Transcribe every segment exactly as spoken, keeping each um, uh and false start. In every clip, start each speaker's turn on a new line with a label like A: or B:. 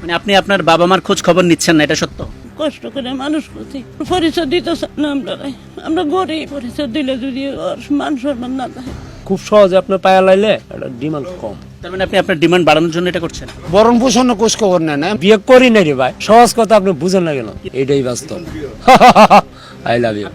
A: মানে আপনি আপনার বাবা মার খোঁজ খবর নিচ্ছেন না, এটা সত্য?
B: কষ্ট করে মানুষ করছি, পরিচয় দিতে চান না আমরা। আমরা গরিব, পরিচয় দিলে যদি ওর মান সম্মান না থাকে।
C: খুব সহজে আপনার পায়া লাইলে এটা ডিমান্ড কম।
A: তার মানে আপনি আপনার ডিমান্ড বাড়ানোর জন্য এটা করছেন?
D: বরণ পোষণ খোঁজ খবর নেন না।
C: বিয়ে করি না রে ভাই, সহজ কথা আপনি বুঝেন না কেন? এটাই বাস্তব। I love you.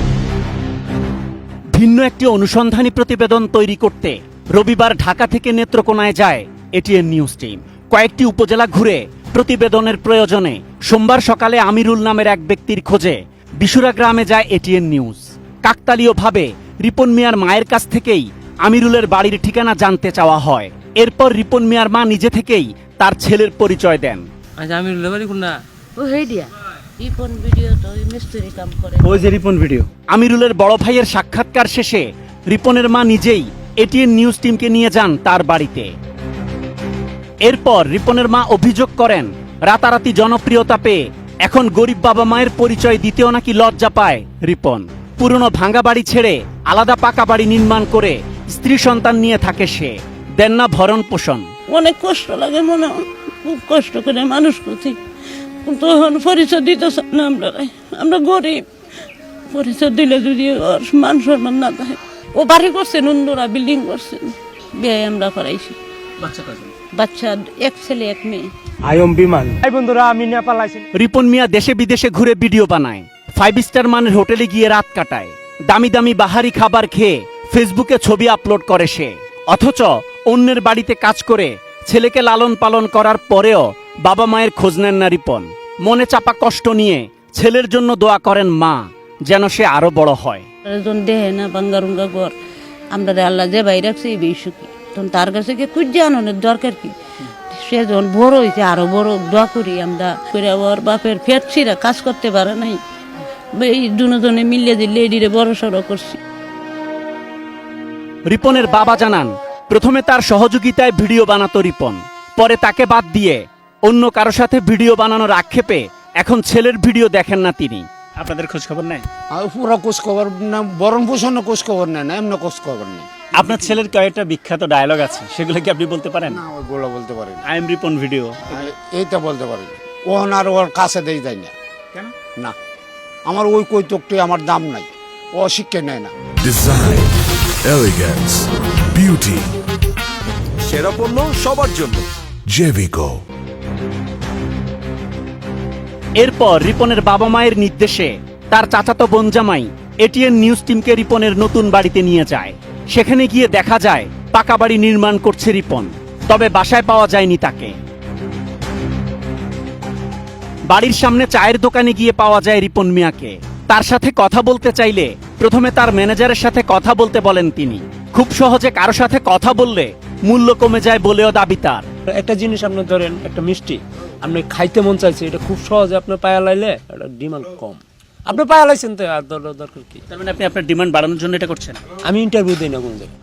A: ভিন্ন একটি অনুসন্ধানী প্রতিবেদন তৈরি করতে রবিবার ঢাকা থেকে নেত্রকোনায় যায় এটিএন নিউজ টিম। কয়েকটি উপজেলা ঘুরে প্রতিবেদনের প্রয়োজনে সোমবার সকালে আমিরুল নামের এক ব্যক্তির খোঁজে বিশুরা গ্রামে যায় এটিএন নিউজ। কাকতালীয়ভাবে রিপন মিয়ার মায়ের কাছ থেকেই আমিরুলের বাড়ির ঠিকানা জানতে চাওয়া হয়। এরপর রিপন মিয়ার মা নিজে থেকেই তার ছেলের পরিচয় দেন।
C: আচ্ছা, আমিরুলের বাড়ি কোনটা?
B: ও হেই দিয়া রিপন ভিডিও তো ওই মিস্ত্রি কাম করে।
A: ওই যে রিপন ভিডিও। আমিরুলের বড় ভাইয়ের সাক্ষাৎকার শেষে রিপনের মা নিজেই এটিএন নিউজ টিমকে নিয়ে যান তার বাড়িতে। এরপর রিপনের মা অভিযোগ করেন, রাতারাতি জনপ্রিয়তা পেয়ে এখন গরিব বাবা মায়ের পরিচয় দিতেও নাকি লজ্জা পায় রিপন। পুরনো ভাঙ্গা বাড়ি ছেড়ে আলাদা পাকা বাড়ি নির্মাণ করে স্ত্রী সন্তান নিয়ে থাকে সে। দেন না ভরণ পোষণ।
B: অনেক কষ্ট লাগে মনে হয়, খুব কষ্ট করে মানুষ করছি, কিন্তু এখন পরিচয় দিতে চান না আমরা। আমরা গরিব, পরিচয় দিলে যদি ওর মান সম্মান না থাকে। ও বাড়ি করছেন, উন্দরা বিল্ডিং করছেন, বিয়ে আমরা করাইছি।
A: বাচ্চা কয়জন?
B: বাচ্চা এক ছেলে এক মেয়ে।
C: আয়ম বিমান। এই বন্ধুরা, আমি নেপাল আইছি।
A: রিপন মিয়া দেশে বিদেশে ঘুরে ভিডিও বানায়, ফাইভ স্টার মানের হোটেলে গিয়ে রাত কাটায়, দামি দামি বাহারি খাবার খেয়ে ফেসবুকে ছবি আপলোড করে সে। অথচ অন্যের বাড়িতে কাজ করে ছেলেকে লালন পালন করার পরেও বাবা মায়ের খোঁজ নেন না রিপন। মনে চাপা কষ্ট নিয়ে ছেলের জন্য দোয়া করেন মা, যেন সে আরো বড় হয়।
B: দেহে না বাঙ্গারুঙ্গা ঘর, আমরা আল্লাহ যে বাইরে রাখছে এই বেশি, তখন তার কাছে কি খুঁজে আনানোর দরকার কি? সে যখন বড় হয়েছে আরো বড় দোয়া করি আমরা। করে ওর বাপের ফেটছিরা কাজ করতে পারে নাই, এই দুজনে মিলিয়ে দিলে এডিরে বড় সড়ো করছি।
A: রিপনের বাবা জানান, প্রথমে তার সহযোগিতায় ভিডিও বানাতো রিপন, পরে তাকে বাদ দিয়ে অন্য কারো সাথে ভিডিও বানানোর আক্ষেপে এখন ছেলের ভিডিও দেখেন না তিনি। আপনাদের খোঁজ খবর নেয়?
D: আর পুরো খোঁজ খবর না, বরণ পোষণ খোঁজ খবর নেন না, এমনি খোঁজ খবর নেই।
A: আপনার ছেলের কয়েকটা বিখ্যাত ডায়লগ আছে, সেগুলো কি আপনি বলতে পারেন?
D: না, ওইগুলো বলতে পারি না।
A: আই এম রিপন ভিডিও,
D: এইটা বলতে পারি না। ওহন আর ওর কাছে দেই যায় না।
A: কেন?
D: না, আমার ওই কৈতকটি আমার দাম নাই, ও শিক্ষা নেয় না।
E: ডিজাইন, এলিগেন্স, বিউটি, সেরা পণ্য সবার জন্য জেভিকো।
A: এরপর রিপনের বাবা মায়ের নির্দেশে তার চাচাতো বোন জামাই এটিএন নিউজ টিমকে রিপনের নতুন বাড়িতে নিয়ে যায়। সেখানে গিয়ে দেখা যায় পাকা বাড়ি নির্মাণ করছে রিপন, তবে বাসায় পাওয়া যায়নি তাকে। বাড়ির সামনে চায়ের দোকানে গিয়ে পাওয়া যায় রিপন মিয়াকে। তার সাথে কথা বলতে চাইলে প্রথমে তার ম্যানেজারের সাথে কথা বলতে বলেন তিনি। খুব সহজে কারো সাথে কথা বললে মূল্য কমে যায় বলেও দাবি তার।
C: একটা জিনিস আপনি ধরেন, একটা মিষ্টি আপনি খাইতে মন চাইছে, এটা খুব সহজে আপনার পায়া লাইলে এটা ডিমান্ড কম। আপনি পায়া লাইছেন তো আর দরকার কি?
A: তার মানে আপনি আপনার ডিমান্ড বাড়ানোর জন্য এটা করছেন?
C: আমি ইন্টারভিউ দিই না কোন জায়গায়।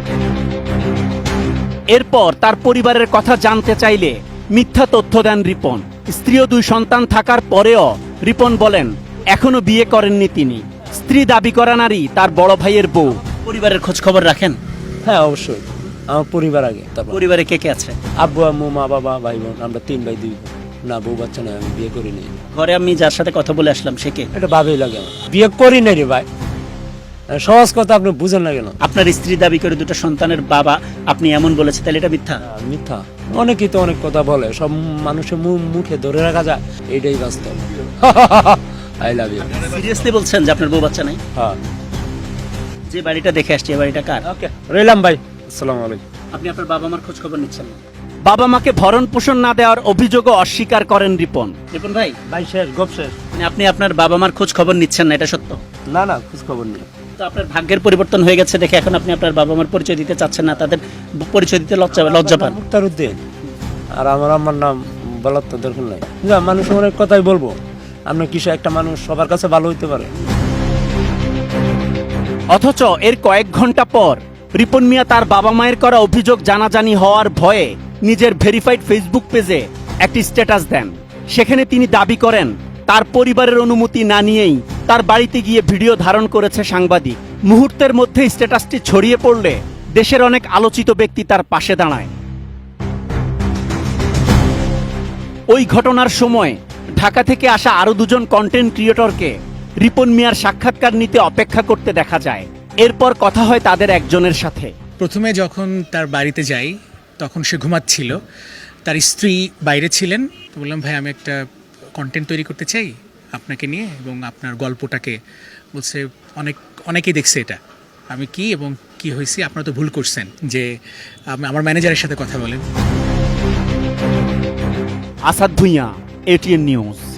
A: এরপর তার পরিবারের কথা জানতে চাইলে মিথ্যা তথ্য দেন রিপন। স্ত্রী ও দুই সন্তান থাকার পরেও রিপন বলেন এখনো বিয়ে করেননি তিনি। স্ত্রী দাবি করা নারী তার বড় ভাইয়ের বউ। পরিবারের খোঁজ খবর রাখেন?
C: হ্যাঁ, অবশ্যই। আমার পরিবার আগে, তারপর
A: পরিবারে কে কে আছে?
C: আব্বু আম্মু মা বাবা ভাই বোন, আমরা তিন ভাই দুই বোন। না, বউ বাচ্চা নয়, আমি বিয়ে করি নাই।
A: ঘরে আমি যার সাথে কথা বলে আসলাম সে কে?
C: এটা ভাবেই লাগে আমার। বিয়ে করি নাই রে ভাই, সহজ কথা আপনি বুঝেন না কেন?
A: আপনার স্ত্রী দাবি করে দুটো সন্তানের বাবা, আপনি এমন বলেছে, তাহলে এটা মিথ্যা?
C: আহ, মিথ্যা। অনেকেই তো অনেক কথা বলে, সব মানুষের মুখে ধরে রাখা যায়, এইটাই বাস্তব। I love you.
A: সিরিয়াসলি বলছেন যে আপনার বউ বাচ্চা নাই?
C: হ্যাঁ।
A: যে বাড়িটা দেখে আসছি এই বাড়িটা কার?
C: ওকে, রইলাম ভাই। আসসালামু আলাইকুম।
A: আপনি আপনার বাবা মার খোঁজ খবর নিচ্ছেন না? বাবা মাকে ভরণ পোষণ না দেওয়ার অভিযোগও অস্বীকার করেন রিপন। রিপন ভাই,
C: ভাই শেষ, গপ শেষ।
A: মানে আপনি আপনার বাবা মার খোঁজ খবর নিচ্ছেন না, এটা সত্য?
C: না না, খোঁজ খবর নেই।
A: তো আপনার ভাগ্যের পরিবর্তন হয়ে গেছে দেখে এখন আপনি আপনার বাবা মার পরিচয় দিতে চাচ্ছেন না, তাদের পরিচয় দিতে লজ্জা লজ্জা পান?
C: মুক্তার উদ্দিন। আর আমার আমার নাম বলার তো দরকার নাই। যা, মানুষ অনেক কথাই বলবো, আপনার কিছু একটা মানুষ সবার কাছে ভালো হইতে পারে।
A: অথচ এর কয়েক ঘন্টা পর রিপন মিয়া তার বাবা মায়ের করা অভিযোগ জানাজানি হওয়ার ভয়ে নিজের ভেরিফাইড ফেসবুক পেজে একটি স্ট্যাটাস দেন। সেখানে তিনি দাবি করেন তার পরিবারের অনুমতি না নিয়েই তার বাড়িতে গিয়ে ভিডিও ধারণ করেছে সাংবাদিক। মুহূর্তের মধ্যে স্ট্যাটাসটি ছড়িয়ে পড়লে দেশের অনেক আলোচিত ব্যক্তি তার পাশে দাঁড়ায়। ওই ঘটনার সময় ঢাকা থেকে আসা আরো দুজন কন্টেন্ট ক্রিয়েটরকে রিপন মিয়ার সাক্ষাৎকার নিতে অপেক্ষা করতে দেখা যায়। এরপর কথা হয় তাদের একজনের সাথে।
F: প্রথমে যখন তার বাড়িতে যাই তখন সে ঘুমাচ্ছিল, তার স্ত্রী বাইরে ছিলেন। তো বললাম ভাই আমি একটা কন্টেন্ট তৈরি করতে চাই আপনাকে নিয়ে এবং আপনার গল্পটাকে। বলছে অনেক অনেকেই দেখছে এটা, আমি কি এবং কি হয়েছি, আপনারা তো ভুল করছেন, যে আম- আমার ম্যানেজারের সাথে কথা বলেন।
A: Asad Bhuiyan, ATN news.